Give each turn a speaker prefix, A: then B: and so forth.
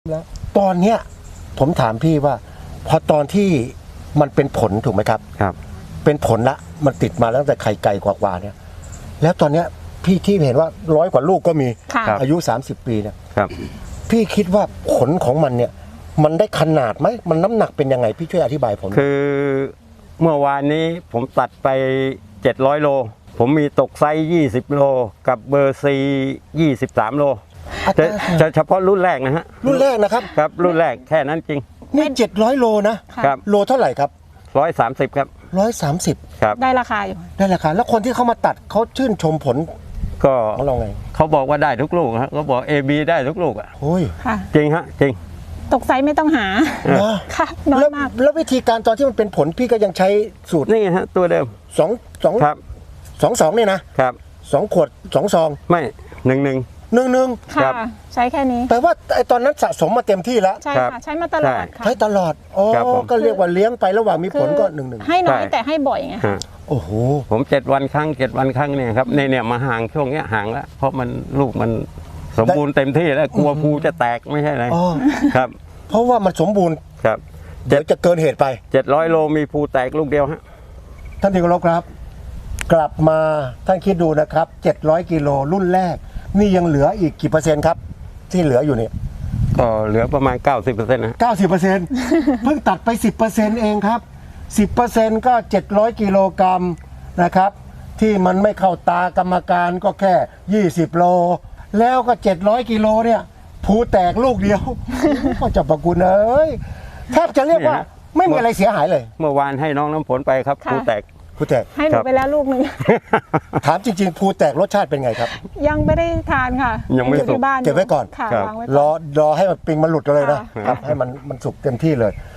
A: แล้วตอนเนี้ยผมถามพี่ว่าพอตอนที่มันเป็นผลถูกไหมครับ
B: ครับ
A: เป็นผลละมันติดมาตั้งแต่ไข่ไก่กว่าๆเนี่ยแล้วตอนเนี้ยพี่ที่เห็นว่า100 กว่าลูกก็มีอายุ30 ปีเนี่ย
B: ครับ
A: พี่คิดว่าผลของมันเนี่ยมันได้ขนาดไหมมันน้ำหนักเป็นยังไงพี่ช่วยอธิบายผม
B: คือเมื่อวานนี้ผมตัดไป700 โลผมมีตกไซส์20 โลกับเบอร์ซี23 โลจะเฉพาะรุ่นแรกนะฮะ
A: รุ่นแรกนะครับ
B: ครับรุ่นแรกแค่นั้นจริง
A: นี่700 โลนะครับโลเท่าไหร่ครับ
B: 130ครับ
A: 130
B: ครับ
C: ได้ราคาอยู่
A: ได้ราคาแล้วคนที่เขามาตัดเขาชื่นชมผล
B: ก็
A: ของเราไง
B: เขาบอกว่าได้ทุกลูกฮะเขาบอก AB ได้ทุกลูกอ่ะ
A: โอ้ย
B: จริงฮะจริง
C: ตกไซส์ไม่ต้องหาค่ะน้อยมาก
A: แล้ววิธีการตอนที่มันเป็นผลพี่ก็ยังใช้สูตร
B: นี่ฮะตัวเดิม
A: 2
B: ครับ
A: 2เนี่ยนะครับ2 ขวด2 ซอง
B: ไม่1
C: ค่ะใช้แค่นี้
A: แต่ว่าไอตอนนั้นสะสมมาเต็มที่แล้ว
C: ใช่ค่ะใช้มาตลอดค่ะ
A: ใช้ตลอดอ๋อก็เรียกว่าเลี้ยงไประหว่างมีผลก็1
C: ให้น้อยแต่ให้บ่อยไง
A: โอ้โห
B: ผม7 วันครั้งเนี่ยครับเนี่ยมาห่างช่วงเนี้ยห่างแล้วเพราะมันลูกมันสมบูรณ์เต็มที่แล้วกลัวภูจะแตกไม่ใช่ไรครับ
A: เพราะว่ามันสมบูรณ์
B: ครับ
A: เดี๋ยวจะเกินเหตุไป
B: 700 โลมีภูแตกลูกเดียวฮะ
A: ท่านที่เคารพครับกลับมาท่านคิดดูนะครับ700 กิโลรุ่นแรกนี่ยังเหลืออีกกี่เปอร์เซ็นต์ครับที่เหลืออยู่เนี่ย
B: ก็เหลือประมาณ 90% นะ
A: 90% เพิ่งตัดไป 10% เองครับ 10% ก็700 กิโลกรัมนะครับที่มันไม่เข้าตากรรมการก็แค่20 โลแล้วก็700 กิโลเนี่ยภูแตกลูกเดียวก็จะประกุณเอ้ยแทบจะเรียกว่าไม่มีอะไรเสียหายเลย
B: เมื่อวานให้น้องน้ำฝนไปครับภูแตก
C: ให้หนูไปแล้วลูกหนึ่ง
A: ถามจริงๆภูแตกรสชาติเป็นไงครับ
C: ยังไม่ได้ทานค่ะ
B: ยังไม่สุก
C: บ้าน
A: เก็บไว้ก่อน
C: ค่ะวางไว้
A: รอให้มันปิงมันหลุดเลยนะครับให้มันสุกเต็มที่เลย